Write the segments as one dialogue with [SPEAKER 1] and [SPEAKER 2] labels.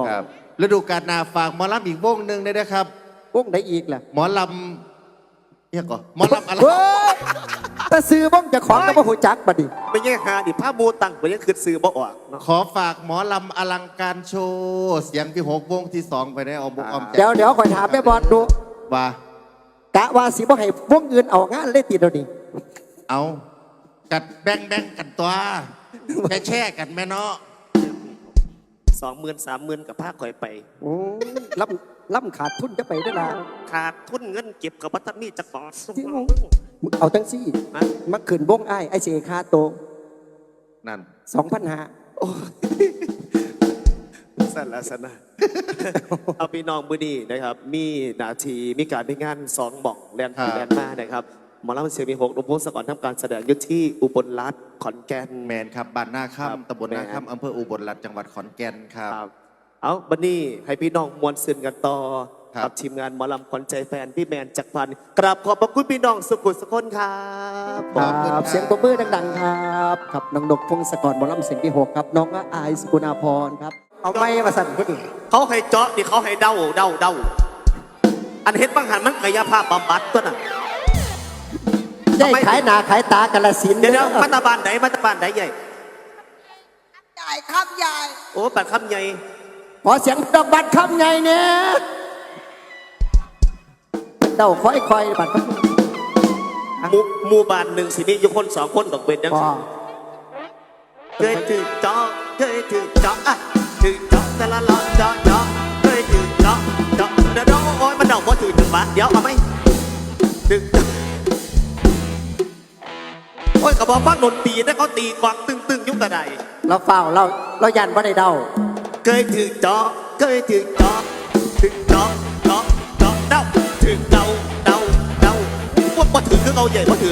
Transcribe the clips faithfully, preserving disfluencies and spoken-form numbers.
[SPEAKER 1] ครับฤดูกาลหนาฝากหมอลำอีกวงหนึ่งได้ไหมครับ
[SPEAKER 2] วงไหนอีกล่ะ
[SPEAKER 1] หมอลำเนี่ยก่อนหมอลำอะไร
[SPEAKER 2] แต่ซื้อบ้องจะของก็บ่หูจักบัดนี้
[SPEAKER 3] ไม่แย่หาดิผ้ามูตังไปยังคือซื้อบ่ออก
[SPEAKER 1] ขอฝากหมอลำอลังการโชว์เสียงที่หกวงที่สองไปได้เอาบุกออม
[SPEAKER 2] เดี๋ยวเดี๋ยวคอยถามแม่บอลดู
[SPEAKER 1] ว่
[SPEAKER 2] ากะว่าสิบ่ให้วงอื่นเอางานเลยติดเดี๋ยวนี้
[SPEAKER 1] เอากัดแบ่งแบ่งกันตัวแช่แช่กันแม่เนาะ
[SPEAKER 3] สองหมื่นสามหมื่นกับผ้าคอยไป
[SPEAKER 2] โอ้ล่ำล่ำขาดทุนจะไปได้ละ
[SPEAKER 3] ขาดทุนเงินเก็บกับวัตมีจะก่อสม
[SPEAKER 2] เอาทั้งซี่มาขืนวงไอ้ไอเสคาโต
[SPEAKER 1] นั่น
[SPEAKER 2] สองพันห้า
[SPEAKER 3] สั้นละสั้นนะเอาพี่น้องมือดีนะครับมีนาทีมีการไปงานสองหม่องแลนด์แลนด์มานะครับหมอลำเสียงมีหกหลวงพ่อสกรทำการแสดงยุทธที่อุบลรัตน์ขอนแก่น
[SPEAKER 1] แมนครับบ้านนาค่ำตำบลนาค่ำอำเภออุบลรัตน์จังหวัดขอนแก่นครับ
[SPEAKER 3] เอาบันนี้ให้พี่น้องมวลซึนกันต่อกับทีมงานหมอลำขวัญใจแฟนพี่แมนจักรพันธ์กราบขอบพระคุณพี่น้องสุขุมสุขคนครับ
[SPEAKER 2] ครับเสียงปรบมือดังๆครับครับน้องนกพงศกรหมอลำเสียงที่หกครับน้องอายสกุณาพรครับเอาไม่มาสั่นคนอื่น
[SPEAKER 3] เขาให้เจาะดิเขาให้เดาเดาเดาอันเห็นบางหันมันกายภาพบำบัดตัวน่ะ
[SPEAKER 2] ได้ขายหนาขายตากระสิน
[SPEAKER 3] เดี๋ยวมัตตาบานไหนมัตตาบานไหนใหญ่
[SPEAKER 4] ใหญ่คำใหญ่
[SPEAKER 3] โอ้ปัดคำใหญ่
[SPEAKER 2] ขอเสียงดอกบัตรคำใหญ่เนี่ยเดาค่อยๆบัตร
[SPEAKER 3] มูมูบานหนึ่งสิมีอยู่คนสองคนดอกเบ็ดยังเคยถือจอเคยถือจออ่ะถือจอแต่ละล้อจอจอเคยถือจอจอเดี๋ยวโอ้ยมันเดาว่าถือถึงบาทเดี๋ยวเอาไหมถือโอ้ยกระบอกฟังดนตรีได้เขาตีกวางตึงตึงยุ่งกระได
[SPEAKER 2] เราเฝ้าเราเรายันว่าได้เดา
[SPEAKER 3] เคยถือจอเคยถือจอถือจอจอจอเดาถือเดาเดาเดาว่าว่าถือคือเอาใหญ่ว่าถือ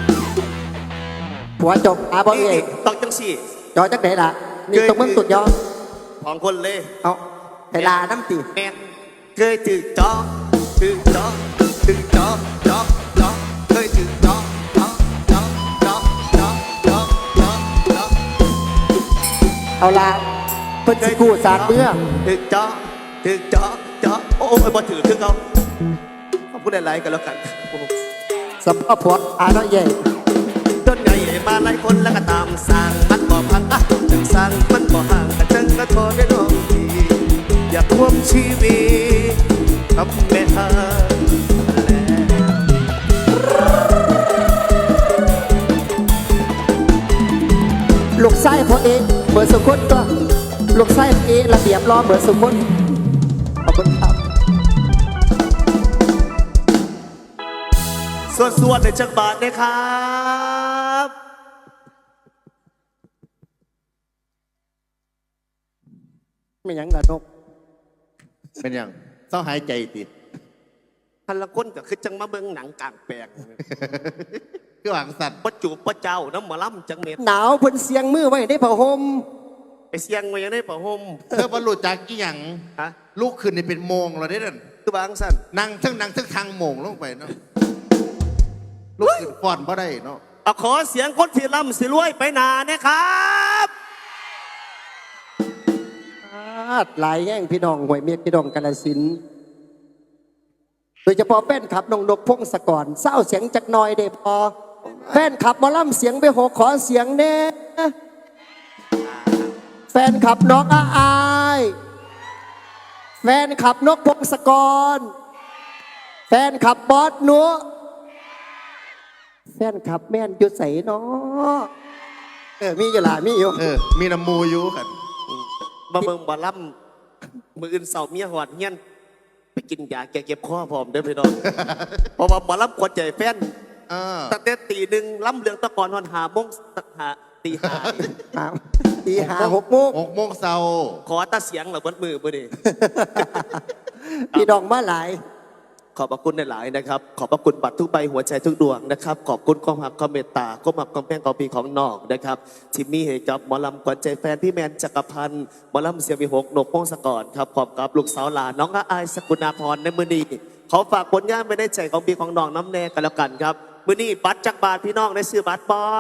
[SPEAKER 2] หัวจบอาบอเอก
[SPEAKER 3] ต้องจังสี่
[SPEAKER 2] จอจักไหนล่ะนี่ตรงมึงตุดยอ
[SPEAKER 3] ของคนเลย
[SPEAKER 2] เอาเวลาน้ำตี
[SPEAKER 3] แมนเคยถือจอถือจอถือจอจอจอเคยถือจอจอจอจอจอจอจอจอ
[SPEAKER 2] เอาละเพิ่นสิกู้สารเมื่อ
[SPEAKER 3] ถือจอถือจอจอโอ้ยบ่ถือคือเขาเขาพูดอะไรกันแล้วกัน
[SPEAKER 2] สำหรับพวกอาน้อยใหญ่
[SPEAKER 3] ต้นใหญ่มาหลายคนแล้วก็ตามสั่งมันบ่พังอ่ะจังสั่งมันบ่ห่างกระจังกระโทษได้ดวงทีอยากควมชีวิตกับแม่ฮา
[SPEAKER 2] ลูกไส้พอเองเบอร์สุขุนก็ลูกไส้เอระเบียบรอเบอร์สุขุนขอบคุณครับ
[SPEAKER 3] ส่วนๆในจังหวัดนะครับ
[SPEAKER 2] ไม่ยังละนก
[SPEAKER 1] เป็นยังต้องหายใจติด
[SPEAKER 3] พันละคนก็คือจังมาเบิ่งหนังกลางแปลง
[SPEAKER 1] คือหวังสัตว์
[SPEAKER 3] ประจูบประเจ้าน้ำหมอลำจังเม็ด
[SPEAKER 2] หนาวเพิ่นเสียงมือไว้ได้ผ้าห่ม
[SPEAKER 3] ไปเสียงไว้ยังได้ผ้าห่ม
[SPEAKER 1] เธอบรรลุจากกี่หยังฮะลูกขึ้นนี่เป็นโมงเราได้ดัน
[SPEAKER 3] คือบางสั้น
[SPEAKER 1] นั่งทั้งนั่งทั้งทางโมงลงไปเนาะลูกขึ้นฟ้อนเพราะได้เนาะ
[SPEAKER 3] เอาขอเสียงคนที่ล่ำสิรวยไปนาเนี่ยครับ
[SPEAKER 2] หลายแง่งพี่น้องหวยเมียพี่น้องกาฬสินธุ์โดยเฉพาะแฟนขับน้องนกพงศกรเศร้าเสียงจักหน่อยเด้พอแฟนขับหมอลำเสียงไปหกขอเสียงเน่แฟนขับน้องอาอายแฟนขับนกพงศกรแฟนขับบอสนัวแฟนขับแม่นยุดใสเนาะเออมีอยู่ล่ะมีอยู่
[SPEAKER 1] เออมีน้ำมูอยู่กัน
[SPEAKER 3] มาเมืองบาลัมมืออื่นเสาเมียหอดเงี้ยนไปกินยาแก้เก็บข้อพร้อมเด้อพี่น้องเพราะว่าบาลัมกดใจแฟนตั้งแต่ตีหนึ่งล้ำเรืองตะกอนหอนหาโมงหาตีหา
[SPEAKER 2] ตีหาหกโมง
[SPEAKER 1] หกโมงเช้า
[SPEAKER 3] ขอตาเสียงเหรอบนมือบ่ดิ
[SPEAKER 2] พี่ดองมาหลาย
[SPEAKER 3] ขอบพระคุณหลายๆนะครับขอบพระคุณบัตรทุกใบหัวใจทุกดวงนะครับขอบคุณความหักความเมตตาความหักความแพงความปีของนอกนะครับที่มีให้กับหมอลำขวัญใจแฟนพี่แมนจักรพันธ์หมอลำเสียงมีหกนกพงศกรครับขอบกับลูกสาวหลานน้องอายสกุณาพรในมือนี้ขอฝากผลงานไว้ในใจของพี่ของน้องน้ำแน่กันแล้วกันครับมือนี้บัตรจักรบาทพี่น้องได้ซื้อบัตรปอ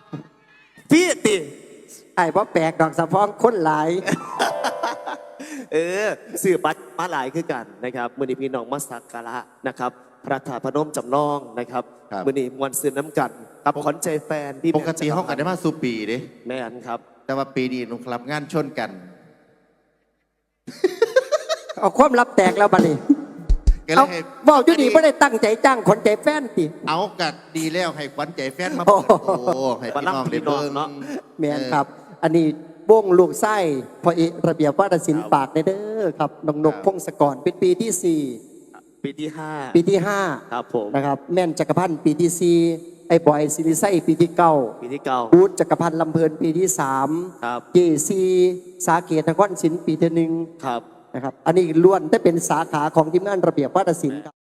[SPEAKER 3] พี่ติ
[SPEAKER 2] ไอ้พ่อแปลกดอกสะพองคนหลาย
[SPEAKER 3] เออสื่อบัตรมาหลายคือกันนะครับมือนี้พี่น้องมาสักการะนะครับ พระธาตุพนมจำลองนะครับมือนี้มวลซื้อน้ำกันกับขวัญใจแฟนพี่
[SPEAKER 1] ปกติห้องกันได้มาสู่ปีเด้
[SPEAKER 3] แม่นครับ
[SPEAKER 1] แต่ว่าปีนี้หนุ่มคลับงานชนกัน
[SPEAKER 2] เอาความลับแตกแล้วบัดนี้
[SPEAKER 1] ก็เล
[SPEAKER 2] เอา
[SPEAKER 1] ยให้
[SPEAKER 2] บอกอยู่ดีไม่ได้ตั้งใจจ้างคนใจแฟนติ
[SPEAKER 1] เอากัดดีแล้วให้ขวัญใจแฟนมาเปิดโอ้ให้พี่น้องได้เบิ่ง
[SPEAKER 3] เนาะ
[SPEAKER 2] แม่นครับ อันนี้วงลูกไส้พอเอกระเบียบวาทศิลป์ปากในเด้อครับน้องนกพงศกรเป็นปีที่สี่
[SPEAKER 3] ปีที่ห้า
[SPEAKER 2] ปีที่ห้า
[SPEAKER 3] ครับผม
[SPEAKER 2] นะครับ แม่นจักรพันธ์ปีที่สี่ไอ้บอยซิริไซปีที่เก้า
[SPEAKER 3] ปีที่เก้า
[SPEAKER 2] บูธจักรพันธ์ลำเพลินปีที่สาม
[SPEAKER 3] ครับ
[SPEAKER 2] เจซีสาเกตนครศิลป์ปีที่หนึ่ง
[SPEAKER 3] ครับ
[SPEAKER 2] นะครับ อันนี้ล้วนได้เป็นสาขาของทีมงานระเบียบวาทศิลป์ครับ